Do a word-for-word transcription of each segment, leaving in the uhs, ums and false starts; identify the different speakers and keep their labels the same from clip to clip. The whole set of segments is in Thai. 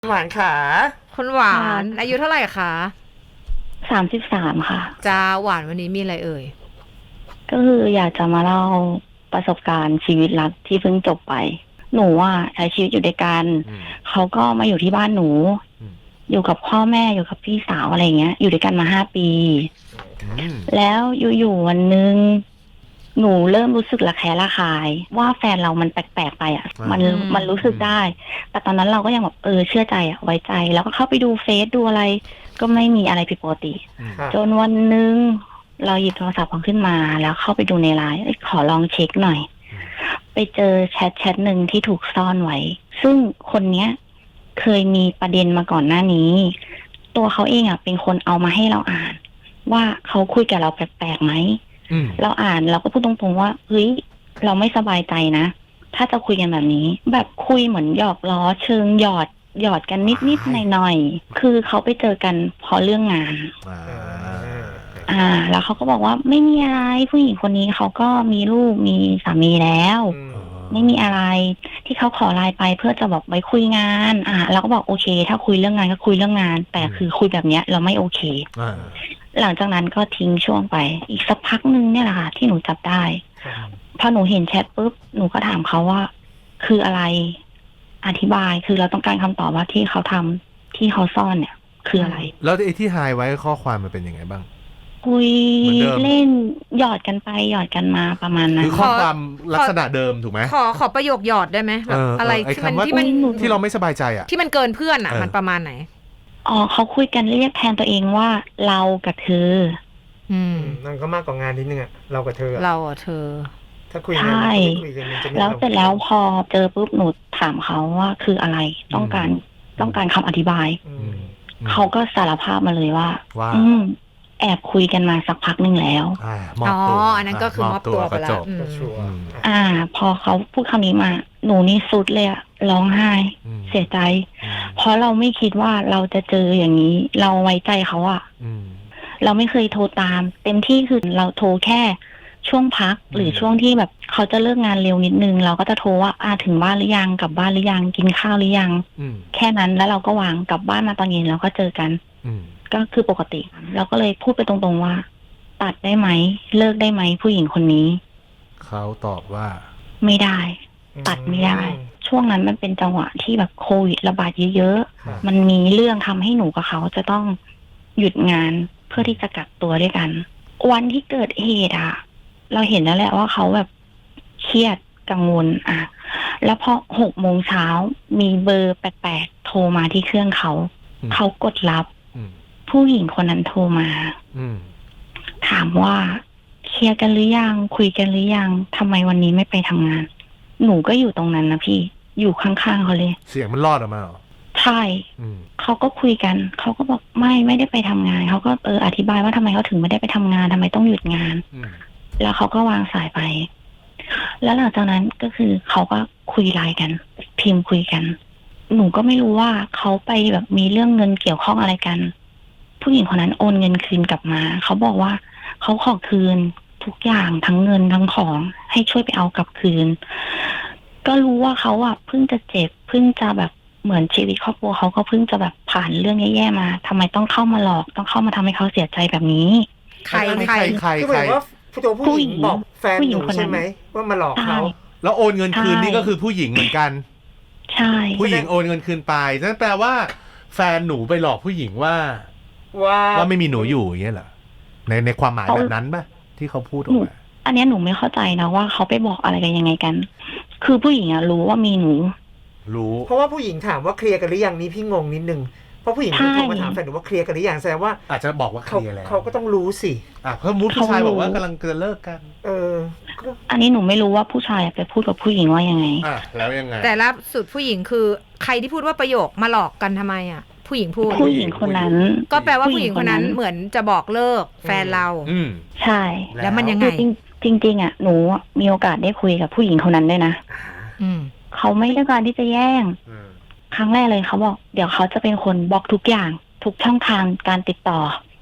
Speaker 1: หวานขา
Speaker 2: คุณหวานอายุเท่าไหร่คะ
Speaker 3: สามสิบสามค่ะ
Speaker 2: จ้าหวานวันนี้มีอะไรเอ่ย
Speaker 3: ก็คืออยากจะมาเล่าประสบการณ์ชีวิตรักที่เพิ่งจบไปหนูอ่ะใช้ชีวิตอยู่ด้วยกันเขาก็มาอยู่ที่บ้านหนูอยู่กับพ่อแม่อยู่กับพี่สาวอะไรเงี้ยอยู่ด้วยกันมาห้าปีแล้วอยู่ๆวันนึงหนูเริ่มรู้สึกระแคะระคายว่าแฟนเรามันแปลกๆไปอ่ะมันมันรู้สึกได้แต่ตอนนั้นเราก็ยังแบบเออเชื่อใจอ่ะไว้ใจแล้วก็เข้าไปดูเฟซดูอะไรก็ไม่มีอะไรผิดปกติจนวันนึงเราหยิบโทรศัพท์ของขึ้นมาแล้วเข้าไปดูในไลน์ขอลองเช็คหน่อยไปเจอแชทแชทหนึ่งที่ถูกซ่อนไว้ซึ่งคนเนี้ยเคยมีประเด็นมาก่อนหน้านี้ตัวเขาเองอ่ะเป็นคนเอามาให้เราอ่านว่าเขาคุยกับเราแปลกๆไหมเราอ่านเราก็พูดตรงๆว่าเฮ้ยเราไม่สบายใจนะถ้าจะคุยกันแบบนี้แบบคุยเหมือนหยอกล้อเชิงหยอดหยอดกันนิดๆหน่อยๆคือเขาไปเจอกันเพราะเรื่องงานอ่าแล้วเขาก็บอกว่าไม่มีอะไรผู้หญิงคนนี้เขาก็มีลูกมีสามีแล้วไม่มีอะไรที่เขาขอไลน์ไปเพื่อจะบอกไว้คุยงานอ่าเราก็บอกโอเคถ้าคุยเรื่องงานก็คุยเรื่องงานแต่คือคุยแบบเนี้ยเราไม่โอเคหลังจากนั้นก็ทิ้งช่วงไปอีกสักพักนึงเนี่ยแหละค่ะที่หนูจับได้พอหนูเห็นแชทปุ๊บหนูก็ถามเขาว่าคืออะไรอธิบายคือเราต้องการคำตอบว่าที่เขาทำที่เขาซ่อนเนี่ยคืออะไร
Speaker 1: แล้วไอ้ที่ไฮไว้ข้อความมันเป็นยังไงบ้าง
Speaker 3: คุยเล่นหยอดกันไปหยอดกันมาประมาณนั้น
Speaker 1: คือข้อความลักษณะเดิมถูกไหม
Speaker 2: ขอขอประโยคหยอดได้ไหมแบบอะไรที่มันที่มัน
Speaker 1: ที่เราไม่สบายใจอ่ะ
Speaker 2: ที่มันเกินเพื่อนอ่ะมันประมาณไหน
Speaker 3: อ๋อเขาคุยกันเรียกแทนตัวเองว่าเรากับเธอ
Speaker 2: อืม
Speaker 4: นั่นก็มากกว่างานนิดนึงอ่ะเรากับเธอ
Speaker 2: เราอ่ะเธอ
Speaker 4: ถ้าคุยงานไม่คุยกันมันจะไม่
Speaker 3: แล้วเสร็จแล้วพอเจอปุ๊บหนูถามเขาว่าคืออะไรต้องการต้องการคำอธิบายเขาก็สารภาพมาเลยว่าอืมแอบคุยกันมาสักพักนึงแล้ว
Speaker 2: อ๋ออันนั้นก็คือมอบตัวไปแล้ว
Speaker 3: อ่าพอเขาพูดคำนี้มาหนูนี่สุดเลยอะร้องไห้เสียใจเพราะเราไม่คิดว่าเราจะเจออย่างนี้เราไว้ใจเขาอะเราไม่เคยโทรตามเต็มที่คือเราโทรแค่ช่วงพักหรือช่วงที่แบบเขาจะเลิกงานเร็วนิดนึงเราก็จะโทรว่าอ่าถึงบ้านหรือยังกลับบ้านหรือยังกินข้าวหรือยังแค่นั้นแล้วเราก็วางกลับบ้านมาตอนเย็นเราก็เจอกันก็คือปกติเราก็เลยพูดไปตรงๆว่าตัดได้ไหมเลิกได้ไหมผู้หญิงคนนี้
Speaker 1: เขาตอบว่า
Speaker 3: ไม่ได้ตัดไม่ได้ช่วงนั้นมันเป็นจังหวะที่แบบโควิดระบาดเยอะๆมันมีเรื่องทำให้หนูกับเขาจะต้องหยุดงานเพื่อที่จะกักตัวด้วยกันวันที่เกิดเหตุอ่ะเราเห็นแล้วแหละว่าเขาแบบเครียดกังวลอ่ะแล้วพอหกโมงเช้ามีเบอร์แปลกๆโทรมาที่เครื่องเขาเขากดรับผู้หญิงคนนั้นโทรมาถามว่าเคลียร์กันหรือยังคุยกันหรือยังทำไมวันนี้ไม่ไปทำงานหนูก็อยู่ตรงนั้นนะพี่อยู่ข้างๆเขาเลย
Speaker 1: เสียงมันรอดออกมาเหรอ
Speaker 3: ใช่เขาก็คุยกันเขาก็บอกไม่ไม่ได้ไปทำงานเขาก็เอออธิบายว่าทำไมเขาถึงไม่ได้ไปทำงานทำไมต้องหยุดงานแล้วเขาก็วางสายไปแล้วหลังจากนั้นก็คือเขาก็คุยไลน์กันพิมพ์คุยกันหนูก็ไม่รู้ว่าเขาไปแบบมีเรื่องเงินเกี่ยวข้องอะไรกันผู้หญิงคนนั้นโอนเงินคืนกลับมาเขาบอกว่าเขาขอคืนทุกอย่างทั้งเงินทั้งของให้ช่วยไปเอากลับคืนก็รู้ว่าเขาอ่ะเพิ่งจะเจ็บเพิ่งจะแบบเหมือนชีวิตครอบครัวเขาก็เพิ่งจะแบบผ่านเรื่องแย่ๆมาทำไมต้องเข้ามาหลอกต้องเข้ามาทำให้เขาเสียใจแบบนี้
Speaker 2: ใครใคร
Speaker 1: ใคร
Speaker 4: คือหมายว่าตัวผู้หญิงบอกแฟนหนูใช่ไหมว่ามาหลอกเขา
Speaker 1: แล้วโอนเงินคืนนี่ก็คือผู้หญิงเหมือนกัน
Speaker 3: ใช่
Speaker 1: ผู้หญิงโอนเงินคืนไปนั่นแปลว่าแฟนหนูไปหลอกผู้หญิงว่า
Speaker 4: ว่า
Speaker 1: ว่าไม่มีหนูอยู่อย่างเงี้ยเหรอในในความหมายแบบนั้นป่ะที่เขาพูดออกมา
Speaker 3: อันนี้หนูไม่เข้าใจนะว่าเขาไปบอกอะไรกันยังไงกันคือผู้หญิงอะรู้ว่ามีหนู
Speaker 1: รู้
Speaker 4: เพราะว่าผู้หญิงถามว่าเคลียร์กันหรือยังนี่พี่งงนิดนึงเพราะผู้หญิงโทรมาถามแฟนหนูว่าเคลียร์กันหรือยังแสดงว่า
Speaker 1: อาจจะบอกว่าเคลียร์แล้ว
Speaker 4: เขาก็ต้องรู้สิ
Speaker 1: อ่ะเพิ่มมุดผู้ชายบอกว่ากำลังจะเลิกกัน
Speaker 4: เออ
Speaker 3: อันนี้หนูไม่รู้ว่าผู้ชายไปพูดกับผู้หญิงว่ายังไง
Speaker 1: อ่ะแล้วยังไง
Speaker 2: แต่ล่าสุดผู้หญิงคือใครที่พูดว่าประโยคมาหลอกกันทำไมอ่ะผู้หญิงพูด
Speaker 3: ผู้หญิงคนนั้น
Speaker 2: ก็แปลว่าผู้หญิงคนนั้นเหมือนจะบอกเลิกแฟนเรา
Speaker 1: อืม
Speaker 3: ใช่
Speaker 2: แล้วมันยังไง
Speaker 3: จริงจริงๆอ่ะหนูมีโอกาสได้คุยกับผู้หญิงคนนั้นด้วยนะ
Speaker 2: อืม
Speaker 3: เขาไม่ต้องการที่จะแย่งครั้งแรกเลยเขาบอกเดี๋ยวเขาจะเป็นคนบล็อกทุกอย่างทุกช่องทางการติดต่อ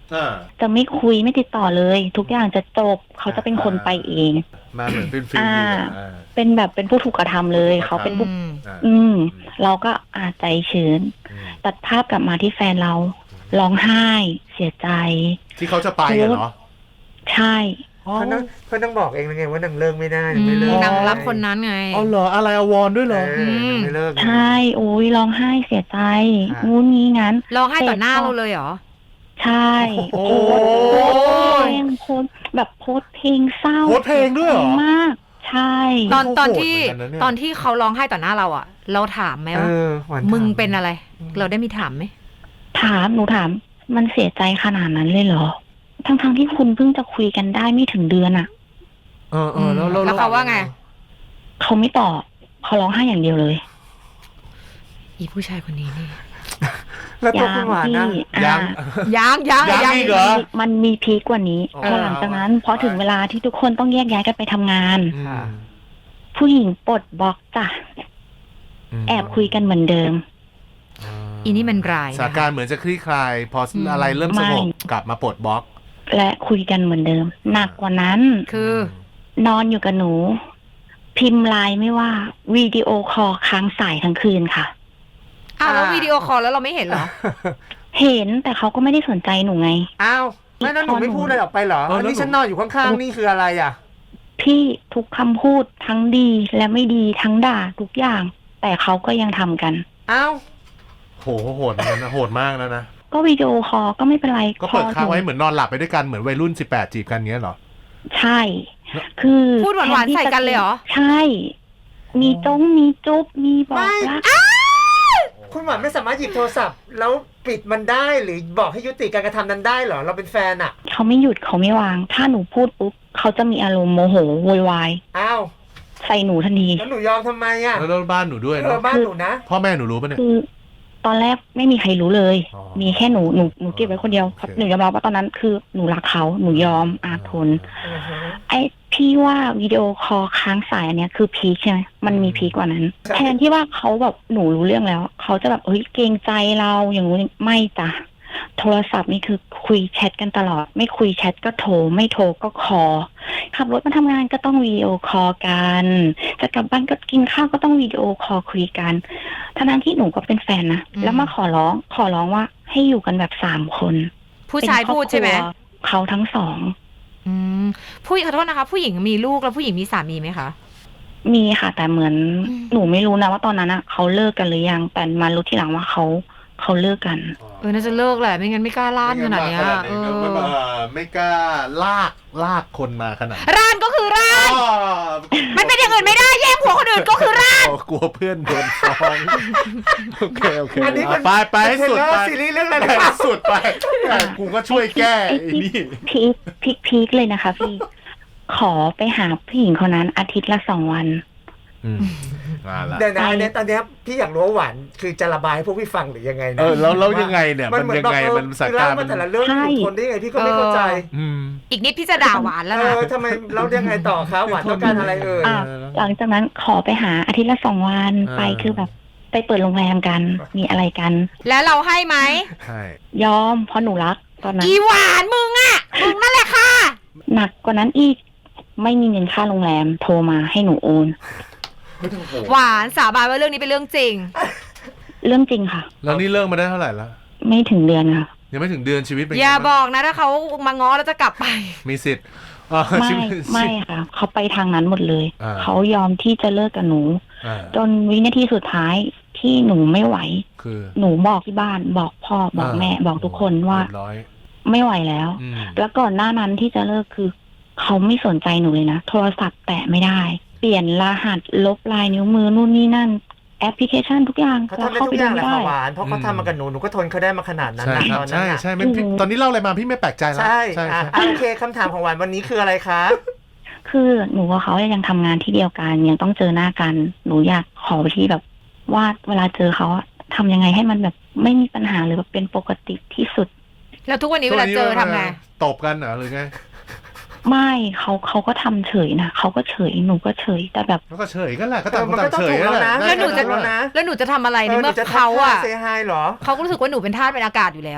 Speaker 1: อ่า
Speaker 3: จะไม่คุยไม่ติดต่อเลย ทุกอย่างจะจบเขาจะเป็นคนไปเอง
Speaker 1: มาเหมือนเป็นฟิล
Speaker 3: อ่า
Speaker 1: อ่า
Speaker 3: เป็นแบบเป็นผู้ถูกกระทำเลย
Speaker 1: ผู้ถูกกระทำ
Speaker 3: เขาเป็นผู้
Speaker 2: อืม
Speaker 1: อ่า
Speaker 3: อืม เราก็อาใจชื้น
Speaker 1: อืม
Speaker 3: ตัดภาพกลับมาที่แฟนเราร้องไห้เสียใจ
Speaker 1: ที่เขาจะไปอะเหรอ
Speaker 3: ใช่
Speaker 1: อ๋อ
Speaker 4: เพราะนางเพราะนางบอกเองไงว่านางเลิกไม่ได้
Speaker 2: อื
Speaker 4: ไม่
Speaker 2: ม
Speaker 4: เลิก
Speaker 2: นางรับคนนั้นไง
Speaker 1: เอาเหรออะไรอวรด้วยเหรอ
Speaker 4: เออนางไม่เลิก
Speaker 3: ใช่โอ้ยร้องไห้เสียใจ
Speaker 4: ค่ะ
Speaker 3: งูนงี้งั้น
Speaker 2: ร้องไห้ต่อหน้าเราเลยเหรอ
Speaker 3: ใช่
Speaker 1: โอ้
Speaker 3: โพสต์โพสต์เพลงโพสต์แบบโพสต์เพลงเศร้า
Speaker 1: โพสต์เพลงด้วยเหรอ
Speaker 3: มาก ใช่
Speaker 2: ตอน
Speaker 1: เขา
Speaker 2: ตอน
Speaker 1: โหด
Speaker 2: ที่
Speaker 1: เหมือนกันนะเนี่ย
Speaker 2: ตอนที่เขาร้องไห้ต่อหน้าเราอ่ะ เราถามไหม
Speaker 4: เอ
Speaker 2: ว่า
Speaker 4: อหวาน
Speaker 2: มึง
Speaker 4: ถาม
Speaker 2: เป็นอะไร เราได้มีถามไหม
Speaker 3: ถามหนูถาม มันเสียใจขนาดนั้นเลยเหรอ ทั้งๆทที่คุณเพิ่งจะคุยกันได้ไม่ถึงเดือนอะ
Speaker 1: เออเออแล้วแล้ว
Speaker 2: แล้วเขาว่าไง
Speaker 3: เขาไม่ตอบเขาร้องไห้อย่างเดียวเลย
Speaker 2: อีผู้ชายคนนี้นี่
Speaker 4: แล้วตัวคุณหวานนะ
Speaker 3: พี่
Speaker 1: ยั
Speaker 3: อ่า
Speaker 1: ง
Speaker 2: ยังยัง
Speaker 1: ยัง
Speaker 2: ยัง
Speaker 1: อีกเหรอ
Speaker 3: มันมีพีคกว่านี้
Speaker 1: อ๋อ
Speaker 3: พอหลังจากนั้นพอถึงเวลาที่ทุกคนต้องแยกย้ายกันไปทำงาน
Speaker 1: อืม
Speaker 3: ผู้หญิงปลดบล็อกจ้ะ
Speaker 1: ม
Speaker 3: แอบคุยกันเหมือนเดิม
Speaker 2: อีนี่มันร้าย
Speaker 1: สถานการณ์เหมือนจะคลี่คลาย พออ
Speaker 2: ม
Speaker 1: อะไรเริ่มสงบ
Speaker 3: ไม่
Speaker 1: กลับมาปลดบล็อก
Speaker 3: และคุยกันเหมือนเดิม หนักกว่านั้น
Speaker 2: คือ
Speaker 3: นอนอยู่กับหนู พิมพ์ไลน์ไม่ว่าวิดีโอคอลค้างสายทั้งคืนค่ะ
Speaker 2: อ้าวแล้ววิดีโอคอลแล้วเราไม่เห็นเหรอ
Speaker 3: เห็นแต่เขาก็ไม่ได้สนใจหนูไง
Speaker 4: อ้าวไม่แล้วหนูไม่พูดอะไรออกไปเหรอ
Speaker 1: เออ
Speaker 4: อัน
Speaker 1: แล้ว
Speaker 4: นี้
Speaker 1: หนู
Speaker 4: ฉันนอนอยู่ข้างๆนี่คืออะไรอ่ะ
Speaker 3: พี่ทุกคำพูดทั้งดีและไม่ดีทั้งด่าทุกอย่าง แต่เขาก็ยังทำกัน
Speaker 4: อ้าว
Speaker 1: โหโหดเหมือนกันนะโหดมากแล้วนะ
Speaker 3: ก็วิดีโอคอลก็ไม่เป็นไร
Speaker 1: ก็เปิด
Speaker 3: พอ
Speaker 1: ค้างไว้
Speaker 3: หนู
Speaker 1: เหมือนนอนหลับไปด้วยกันเหมือนวัยรุ่นสิบแปดจีบกันเงี้ยเหรอ
Speaker 3: ใช่ คือ
Speaker 2: พูดหวานๆใส่กันเลยเหรอ
Speaker 3: ใช่ มีจ้งมีจุ๊บมีบอกรัก
Speaker 4: คุณหวานไม่สามารถหยิบโทรศัพท์ แล้วปิดมันได้หรือบอกให้ยุติการกระทำนั้นได้เหรอเราเป็นแฟนอ่ะ
Speaker 3: เขาไม่หยุดเขาไม่วาง ถ้าหนูพูดปุ๊บเขาจะมีอารมณ์โมโหโวยวาย
Speaker 4: อ้าว
Speaker 3: ใส่หนูทันที
Speaker 4: แล้วหนูยอมทำไมอ่ะ
Speaker 1: แล้วแล้วบ้านหนูด้วย
Speaker 4: เอ
Speaker 1: เนาะ
Speaker 4: อบ้านหนูนะ
Speaker 1: พ่อแม่หนูรู้ปะเนี่ย
Speaker 3: คือ ตอนแรกไม่มีใครรู้เลย
Speaker 1: อ๋อ
Speaker 3: มีแค่หนูหนูหนูเก็บไว้คนเดียว
Speaker 1: โอเค
Speaker 3: หนูยอมรับว่าตอนนั้นคือหนูรักเขาหนูยอมอาทน
Speaker 4: อือฮึ
Speaker 3: ไอ้พี่ว่าวิดีโอคอลค้างสายอันเนี้ยคือพีคใช่ไหมมันมีพีคกว่านั้น
Speaker 4: ใช่
Speaker 3: แทนที่ว่าเขาแบบหนูรู้เรื่องแล้ว เขาจะแบบเฮ้ยเกรงใจเราอย่างงู้นไม่จ้ะโทรศัพท์นี่คือคุยแชทกันตลอด ไม่คุยแชทก็โทรไม่โทรก็คอลขับรถมาทำงานก็ต้องวิดีโอคอลกันจะกลับบ้านก็กินข้าวก็ต้องวิดีโอคอลคุยกันทั้งนั้นที่หนูก็เป็นแฟนนะ
Speaker 2: อืม
Speaker 3: แล้วมาขอร้องขอร้องว่าให้อยู่กันแบบสามคน
Speaker 2: ผู้ชายพูดใช่ไหม
Speaker 3: เป็นครอบครัวเขาทั้งสอง
Speaker 2: อืมผู้หญิงขอโทษนะคะ ผู้หญิงมีลูกแล้วผู้หญิงมีสามีไหมคะ
Speaker 3: มีค่ะแต่เหมือน
Speaker 2: อืม
Speaker 3: หนูไม่รู้นะว่าตอนนั้นอะเขาเลิกกันหรือยังแต่มารู้ทีหลังว่าเขาเขาเลิกกัน
Speaker 2: เออน่าจะเลิกแหละไม่งั้นไม่กล้าล่านขนาดเนี้ยเอ
Speaker 1: ไม่
Speaker 2: อ
Speaker 1: มาไม่กล้าลากลากคนมาขนาดนั้น
Speaker 2: ร่านก็คือร่าน
Speaker 1: อ๋อ
Speaker 2: มันเป็นอย่างอื่นไม่ได้แย่งผัวคนอื่นก็คือร่าน
Speaker 1: อ๋อกลัวเพื่อนโดนฟ้องโอเคโอเค
Speaker 4: อันนี้มัน
Speaker 1: ไปไปให้สุด
Speaker 4: เป็นเทรลเลอ
Speaker 1: ไป
Speaker 4: ร์ซีรีส์เรื่องอะไร
Speaker 1: ไป
Speaker 4: นะ
Speaker 1: ให้สุดไปแต่กูก็ช่วยแก้
Speaker 3: ไอ้
Speaker 1: ไอ้
Speaker 3: ที่
Speaker 1: นี่
Speaker 3: พีคพีคพีคเลยนะคะพี่ ขอไปหาผู้หญิงคนนั้นอาทิตย์ละสองวัน
Speaker 1: อืมมาละ
Speaker 4: เดี๋ยวนะอันเนี้ยตอนเนี้ยพี่อยากรู้ว่าหวานคือจะระบายให้พวกพี่ฟังหรือยังไงนะ
Speaker 1: เออแล้วแล้วยังไงเนี่ย
Speaker 4: มัน
Speaker 1: มัน
Speaker 4: เหมือน
Speaker 1: ยัง
Speaker 4: แบบ
Speaker 1: ไง
Speaker 4: เออ
Speaker 1: มันสถาน
Speaker 4: คือ
Speaker 1: การ
Speaker 4: เล่า
Speaker 1: ณ์มั
Speaker 4: มาน แต่ละเรื่อง
Speaker 3: ใช่
Speaker 4: ทนได้ยังไงพี่ก็ไม่เข้าใจ
Speaker 1: อืม
Speaker 2: อีกนิดพี่จะด่าหวานแล้ว
Speaker 4: เอ
Speaker 2: นะ
Speaker 4: อทำไมเรายังไงต่อครับหวานต้องการอะไรเอ่ย
Speaker 3: อ่ะหลังจากนั้นขอไปหาอาทิตย์ละสองวัน
Speaker 1: อ่า
Speaker 3: ไปคือแบบ ไปเปิดโรงแรมกัน มีอะไรกัน
Speaker 2: แล้วเราให้ไหม
Speaker 1: ใช่
Speaker 3: ยอมเพราะหนูรักตอนนั้น
Speaker 2: อีหวานมึงอ่ะมึงนั่นแหละค่ะ
Speaker 3: หนักกว่านั้นอีก ไม่มีเงินค่าโรงแรมโทรมาให้หนูโอน
Speaker 2: หวานสาบานว่าเรื่องนี้เป็นเรื่องจริง
Speaker 3: เรื่องจริงค่ะ
Speaker 1: แล้วนี่เลิกมาได้เท่าไหร่แล้ว
Speaker 3: ไม่ถึงเดือนค่ะ
Speaker 1: ยังไม่ถึงเดือนชีวิตเป็นไง
Speaker 2: อย่าบ
Speaker 1: บ้าง
Speaker 2: อกนะถ้าเขามาง้อแล้วจะกลับไป
Speaker 1: มีสิทธิ์อ่า
Speaker 3: ไม่
Speaker 1: ชีวิต
Speaker 3: ไม่ค่ะ เขาไปทางนั้นหมดเลย
Speaker 1: อ่า
Speaker 3: เขายอมที่จะเลิกกับหนู
Speaker 1: อ่า
Speaker 3: จนวินาทีสุดท้ายที่หนูไม่ไหว
Speaker 1: คือ
Speaker 3: หนูบอกที่บ้านบอกพ่อบอกแม่บอกทุกคนว่า
Speaker 1: เรียบร้อย
Speaker 3: ไม่ไหวแล้ว
Speaker 1: อืม
Speaker 3: แล้วก่อนหน้านั้นที่จะเลิกคือ เขาไม่สนใจหนูเลยนะ โทรศัพท์แตะไม่ได้ เปลี่ยนรหัสลบลายนิ้วมือนู่นนี่นั่น แอปพลิเคชันทุกอย่าง
Speaker 4: เขา
Speaker 3: เรา
Speaker 4: ทำได้
Speaker 3: เข้า
Speaker 4: ทุ
Speaker 3: ไป
Speaker 4: กอ
Speaker 3: ดู
Speaker 4: ย่างแหละ
Speaker 3: ได้
Speaker 4: ค่ะหวานเพราะเขาทำมากับหนูหนูก็ทนเขาได้มาขนาดนั้น
Speaker 1: ใช่
Speaker 4: นะครับ ตอนนั้
Speaker 1: ใช่
Speaker 4: นน่ะ
Speaker 1: ใช่ไม่พี่ตอนนี้เล่าอะไรมาพี่ไม่แปลกใจแล้ว
Speaker 4: ใช่
Speaker 1: ใช่
Speaker 4: อ่ะ
Speaker 1: ใช่
Speaker 4: อ่ะโอเคคำถามของหวานวันนี้คืออะไรคะ
Speaker 3: คือหนูกับเขายังทำงานที่เดียวกันยังต้องเจอหน้ากัน หนูอยากขอที่แบบว่าเวลาเจอเขาอะทำยังไงให้มันแบบไม่มีปัญหาหรือแบบเป็นปกติที่สุด
Speaker 2: แล้วทุกวันนี้เวลาเจอทำไง
Speaker 1: ตบกันเหรอหรือไง
Speaker 3: ไม่เขาเขาก็ทำเฉยนะเขาก็เฉยหนูก็เฉยแต่แบบ
Speaker 1: แล้วก็เฉยกันแหละก็
Speaker 4: เอ
Speaker 1: ต่า
Speaker 4: อง
Speaker 1: ค
Speaker 4: มัน
Speaker 1: น
Speaker 4: ก็
Speaker 1: ต่าง
Speaker 4: ต้อง
Speaker 1: เฉย
Speaker 4: ถูกแล้ว
Speaker 1: แหละ
Speaker 4: นะ
Speaker 2: แล้วหนูจะ
Speaker 4: แล้วนะ
Speaker 2: แล้วหนูจะทำอะไรใน
Speaker 4: เออห
Speaker 2: เมื่
Speaker 4: นู
Speaker 2: อ
Speaker 4: จะทัก
Speaker 2: เขา
Speaker 4: ทาย
Speaker 2: อ่ะ
Speaker 4: เซฮายเหรอ
Speaker 2: เขาก็รู้สึกว่าหนูเป็นทาสเป็นอากาศอยู่แล้ว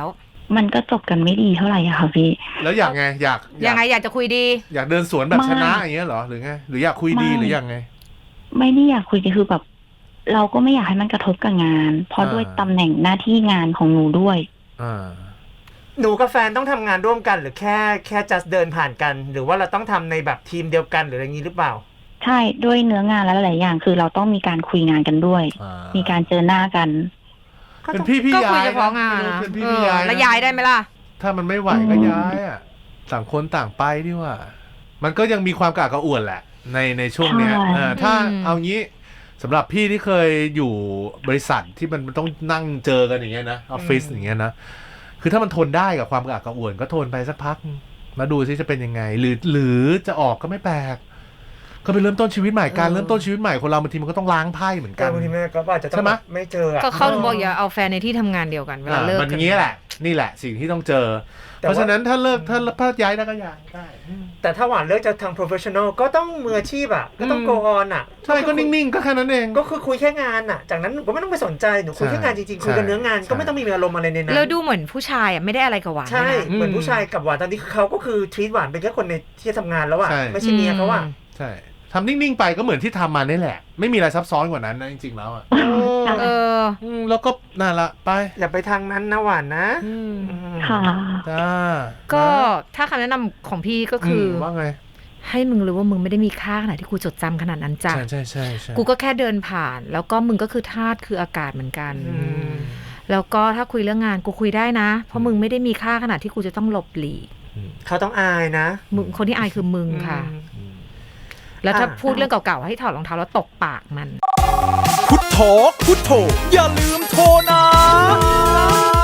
Speaker 3: มันก็จบกันไม่ดีเท่าไหร่อะค่ะพี่
Speaker 1: แล้วอยากไงอยาก
Speaker 2: ยังไงอยากจะคุยดี
Speaker 1: อยากเดินสวนแบบ
Speaker 3: ไม่
Speaker 1: ชนะอย่างเงี้ยเหรอหรือไงหรืออยากคุยดี
Speaker 3: ไม่
Speaker 1: หรือยังไง
Speaker 3: ไม่ได้อยากคุยกันคือแบบ เราก็ไม่อยากให้มันกระทบกับงาน เพราะ
Speaker 1: อ่า
Speaker 3: ด้วยตำแหน่งหน้าที่งานของหนูด้วย
Speaker 1: อ่า
Speaker 4: หนูกับแฟนต้องทำงานร่วมกันหรือแค่แค่ just เดินผ่านกัน หรือว่าเราต้องทำในแบบทีมเดียวกันหรืออะไรอย่างนี้หรือเปล่า
Speaker 3: ใช่ด้วยเนื้องานและหลายๆอย่าง คือเราต้องมีการคุยงานกันด้วย
Speaker 1: อ่า
Speaker 3: มีการเจอหน้ากัน
Speaker 1: เป็นพี่พี่
Speaker 2: ก็
Speaker 1: ยา
Speaker 2: คุย
Speaker 1: ย
Speaker 2: เฉพาะงาน
Speaker 1: ไม่รู้
Speaker 2: นะ
Speaker 1: เป็นพี่
Speaker 2: เอ
Speaker 1: พี่
Speaker 2: อย
Speaker 1: ายนะ
Speaker 2: แล้วย้ายได้ไหมล่ะ
Speaker 1: ถ้ามันไม่ไหวก็ย้ายอ่ะต่างคนต่างไปดีกว่า มันก็ยังมีความกากกระอ่วนแหละ ในในช่วงเนี้ย
Speaker 3: ใช่
Speaker 1: เออถ้า
Speaker 2: อืม
Speaker 1: เอางี้สำหรับพี่ที่เคยอยู่บริษัทที่มันต้องนั่งเจอกันอย่างเงี้ยนะออฟฟิศ
Speaker 4: อืม
Speaker 1: อย่างเงี้ยนะคือถ้ามันทนได้กับความกากกระอ่วนก็ทนไปสักพักมาดูซิจะเป็นยังไง หรือหรือจะออกก็ไม่แปลกก็ไปเริ่มต้นชีวิตใหม่การเริ่มต้นชีวิตใหม่คนเราบางทีมันก็ต้องล้างไพ่เหมือนกั
Speaker 4: แต่
Speaker 1: น
Speaker 4: บางทีแม่ก็อาจจะต้อ
Speaker 1: ใช่
Speaker 4: ง
Speaker 1: ไหม
Speaker 4: แบบไม่เจออะ
Speaker 2: ก็เขาถึงบอกอย่าเอาแฟนในที่ทำงานเดียวกันเวลา
Speaker 1: อ่า
Speaker 2: เลิก
Speaker 1: มันอย่างนี้แหละ นี่แหละสิ่งที่ต้องเจอ
Speaker 4: แต่
Speaker 1: เพราะ
Speaker 4: ว่า
Speaker 1: ฉะนั้นถ้าเลิกถ้าถ้าย้ายได้ก็ย้ายได้
Speaker 4: แต่ถ้าหวานเลิกจากทาง professional ก็ต้องมืออาชีพอ่ะก็ต้อง
Speaker 1: อืม
Speaker 4: go on อ่ะ
Speaker 1: ใช่ก็นิ่งๆก็แค่นั้นเอง
Speaker 4: ก็คือคุยแค่งานอ่ะ จากนั้นหนูก็ไม่ต้องไปสนใจหนูคุยแค่งานจริงๆ
Speaker 1: ใช่
Speaker 4: คุยกันเนื้องาน
Speaker 1: ใช่
Speaker 4: ก็ไม่ต้องมีอารมณ์อะไรในนั้น
Speaker 2: แล้วดูเหมือนผู้ชายอ่ะไม่ได้อะไรกับหวาน
Speaker 4: ใช่
Speaker 2: ด้วยนะ
Speaker 4: เหมือน
Speaker 1: อืม
Speaker 4: ผู้ชายกับหวานตอนนี้คือเขาก็คือ treat หวานเป็นแค่คนในที่ทำงานแล้วอ่ะ
Speaker 1: ใช่
Speaker 4: ไม่ใช่เมียเขาอ่ะ
Speaker 1: ใช่ทำนิ่งๆไปก็เหมือนที่ทำมานี่แหละ ไม่มีอะไรซับซ้อนกว่านั้นนะจริงๆแล้วอ่ะ
Speaker 2: เออ
Speaker 1: อืมแล้วก็นั่นละไป
Speaker 4: อย่าไปทางนั้นนะหวานนะ
Speaker 1: อืม
Speaker 4: อืม
Speaker 3: ค่ะ
Speaker 1: จ้า
Speaker 2: ก็ถ้าคำแนะนำของพี่ก็คือ
Speaker 1: มว่าไง
Speaker 2: ให้มึงรู้ว่ามึงไม่ได้มีค่าขนาดที่กูจดจำขนาดนั้นจ้ะ
Speaker 1: ใช่ใช่ใช่ใช่
Speaker 2: กูก็แค่เดินผ่าน แล้วก็มึงก็คือธาตุคืออากาศเหมือนกัน
Speaker 4: อืม
Speaker 2: แล้วก็ถ้าคุยเรื่องงานกูคุยได้นะ เพราะมึงไม่ได้มีค่าขนาดที่กูจะต้องหลบหลีก
Speaker 4: เขาต้องอายนะ
Speaker 2: มึงคนที่อายคือมึงค่ะ
Speaker 4: อืม
Speaker 1: อืม
Speaker 2: แล้วถ้า
Speaker 4: อ่า
Speaker 2: พูดเรื่องเก่าๆให้ถอดรองเท้าแล้วตกปากมัน
Speaker 5: พุทโธพุทโธอย่าลืมโทรนะ